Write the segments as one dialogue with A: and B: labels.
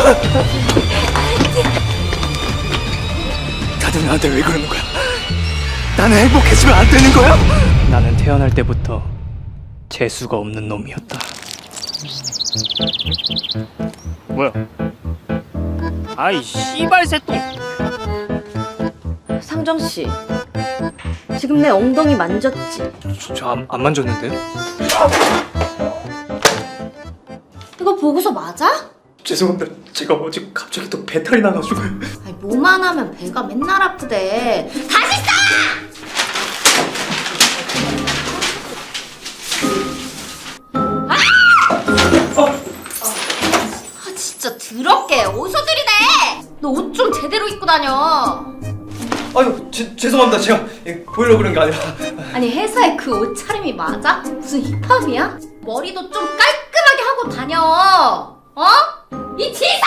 A: 다들 나한테 왜 그러는 거야? 나는 행복해지면 안 되는 거야? 나는 태어날 때부터 재수가 없는 놈이었다. 뭐야? 아이 씨발 새똥.
B: 상정씨, 지금 내 엉덩이 만졌지?
A: 저 안 만졌는데요?
B: 이거 보고서 맞아?
A: 죄송합니다. 제가 어제 갑자기 또 배탈이 나가지고.
B: 아니, 뭐만 하면 배가 맨날 아프대. 다시 싸! 아, 진짜 더럽게 어디서 들이대? 너 옷 좀 제대로 입고 다녀.
A: 아유 죄송합니다. 제가 보이려고 그런 게 아니라.
B: 아니, 회사에 그 옷차림이 맞아? 무슨 힙합이야? 머리도 좀 깔끔하게 하고 다녀. 어? 이 치사!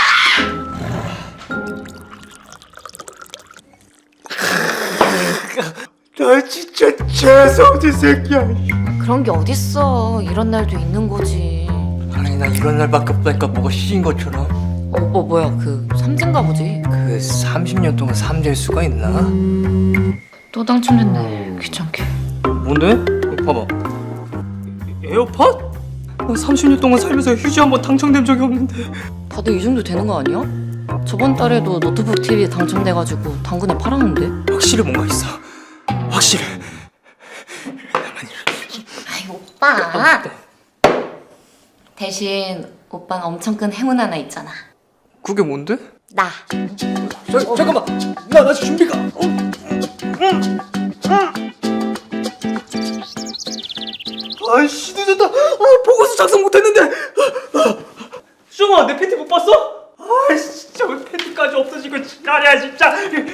A: 나 진짜 재수없는 새끼야.
B: 그런 게 어딨어. 이런 날도 있는 거지.
A: 아니 나 이런 날밖에 없다니까 뭐가 시인 것처럼.
B: 뭐야, 그 삼진가 보지?
A: 그 30년 동안 3될 수가 있나?
B: 또 당첨됐네. 귀찮게.
A: 뭔데? 이거 봐봐. 에어팟? 나 30년 동안 살면서 휴지 한 번 당첨된 적이 없는데.
B: 다들 이 정도 되는 거 아니야? 저번 달에도 노트북 TV 당첨돼가지고 당근에 팔았는데.
A: 확실히 뭔가 있어. 확실해.
B: 아이, 오빠. 대신 오빠는 엄청 큰 행운 하나 있잖아.
A: 그게 뭔데?
B: 나.
A: 잠깐만. 나 준비가. 아이씨 늦었다. 보고서 작성 못했는데. 수정아 내 팬티 못 봤어? 아이씨 진짜 왜 팬티까지 없어지고 지랄이야 진짜.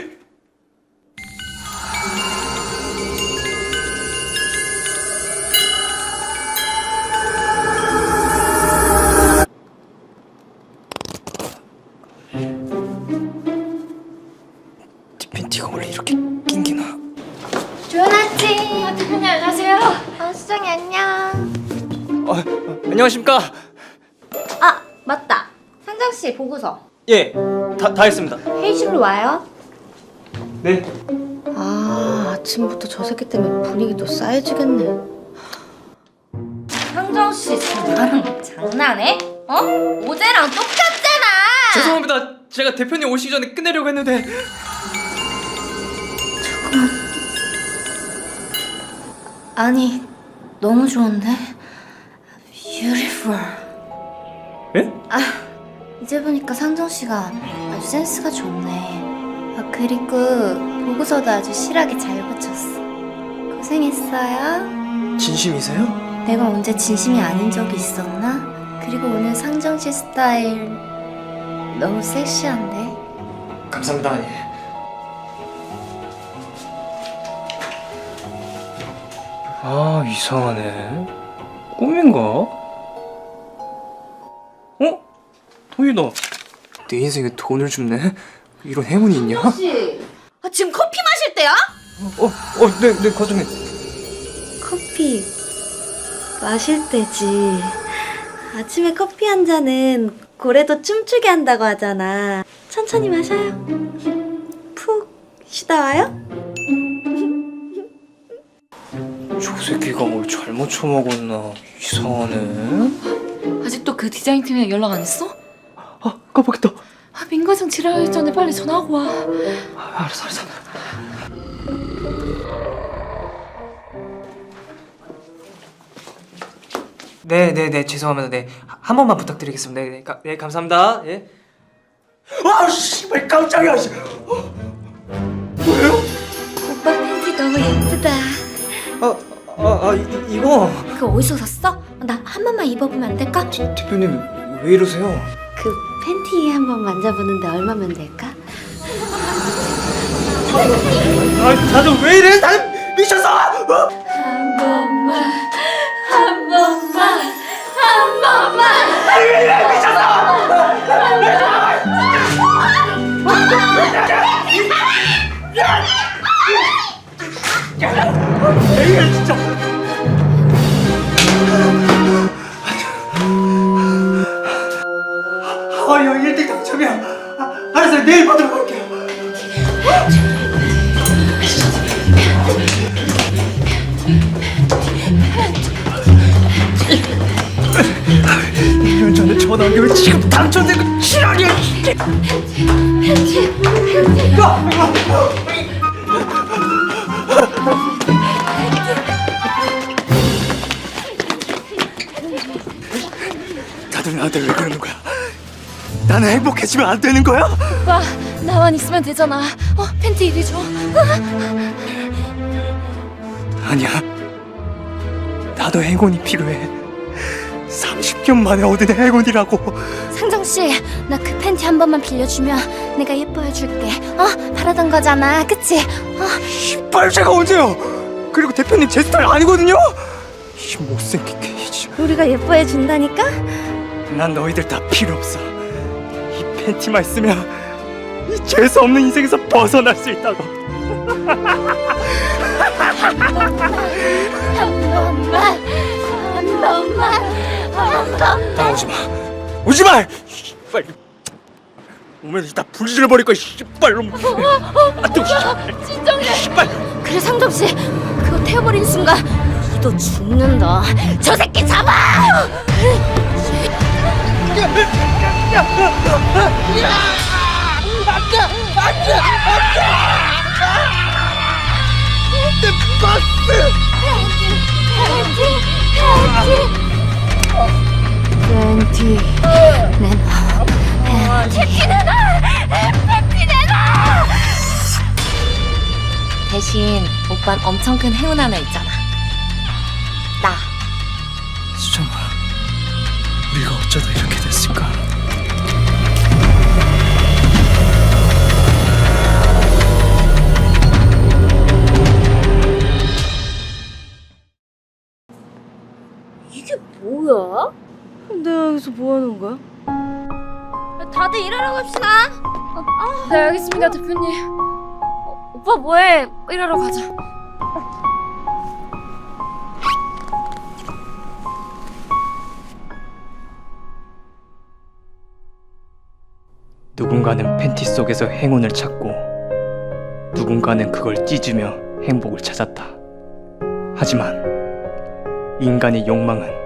A: 네 팬티가 원래 이렇게 낑기나?
B: 조연아씨. 대표님 안녕하세요. 수정이 안녕.
A: 안녕하십니까?
B: 아, 맞다. 상정씨 보고서.
A: 예, 다 했습니다.
B: 회의실로 와요.
A: 네.
B: 아, 아침부터 저 새끼 때문에 분위기도 싸해지겠네. 상정씨 지금 나랑 장난해? 어? 어제랑 똑같잖아.
A: 죄송합니다. 제가 대표님 오시기 전에 끝내려고 했는데.
B: 아니, 너무 좋은데? Beautiful.
A: 예?
B: 아, 이제 보니까 상정씨가 아주 센스가 좋네. 아, 그리고 보고서도 아주 실하게 잘 붙였어. 고생했어요.
A: 진심이세요?
B: 내가 언제 진심이 아닌 적이 있었나? 그리고 오늘 상정씨 스타일 너무 섹시한데?
A: 감사합니다. 예. 아 이상하네. 꿈인가? 돈이다. 내 인생에 돈을 줍네. 이런 행운이 있냐?
B: 혹시 지금 커피 마실 때야?
A: 네 과장님.
B: 커피 마실 때지. 아침에 커피 한 잔은 고래도 춤추게 한다고 하잖아. 천천히 마셔요. 푹 쉬다 와요.
A: 저 새끼가 뭘 잘못 처먹었나. 이상하네.
B: 아직도 그 디자인 팀에 연락 안 했어?
A: 깜빡했다.
B: 민과장 지랄하기 전에 빨리 전화하고 와.
A: 알았어. 네 죄송합니다. 네 한 번만 부탁드리겠습니다. 네 감사합니다. 예. 아 씨발 깜짝이야. 뭐예요?
B: 오빠 팬티 너무 예쁘다.
A: 이거
B: 그거 어디서 샀어? 나 한 번만 입어보면 안 될까?
A: 대표님 왜 이러세요?
B: 그 팬티 한 번 만져보는데 얼마면 될까?
A: 다들 왜 이래? 다들 미쳤어?
B: 한 번만.
A: 이게 진짜. 형 1등 당첨이야. 알았어요. 내일 받으러 갈게요. 년 전에 전화 온 게 왜 지금 당첨된 거 지랄이야. 다들 나한테 왜 그러는 거야? 나는 행복해지면 안 되는 거야?
C: 오빠, 나만 있으면 되잖아. 팬티 이리 줘.
A: 아니야. 나도 행운이 필요해. 30년 만에 얻은 행운이라고.
C: 상정 씨, 나 그 팬티 한 번만 빌려주면 내가 예뻐해 줄게. 바라던 거잖아, 그치?
A: 씨발 제가 언제요? 그리고 대표님 제 스타일 아니거든요. 이 못생긴 게이지.
C: 우리가 예뻐해 준다니까?
A: 난 너희들 다 필요 없어. 이 팬티만 있으면 이 재수 없는 인생에서 벗어날 수 있다고.
C: 한 번만.
A: 오지 마. 오지 마. 씨발. 오면 다 불질러 버릴 거야. 씨발 놈.
C: 진정해.
A: 씨발.
C: 그래, 상정 씨, 그거 태워버린 순간 이도 죽는다. 저 새끼 잡아! 팬티 내놔. 팬티 내놔. 팬티 내놔. 대신 오빤 엄청 큰 행운 하나 있잖아. 나.
A: 수정아, 우리가 어쩌다 이렇게 됐을까?
C: 이게 뭐야? 내가 여기서 뭐 하는 거야? 다들 일하러 갑시다. 네, 알겠습니다, 대표님. 오빠 뭐해? 일하러 가자.
A: 누군가는 팬티 속에서 행운을 찾고 누군가는 그걸 찢으며 행복을 찾았다. 하지만 인간의 욕망은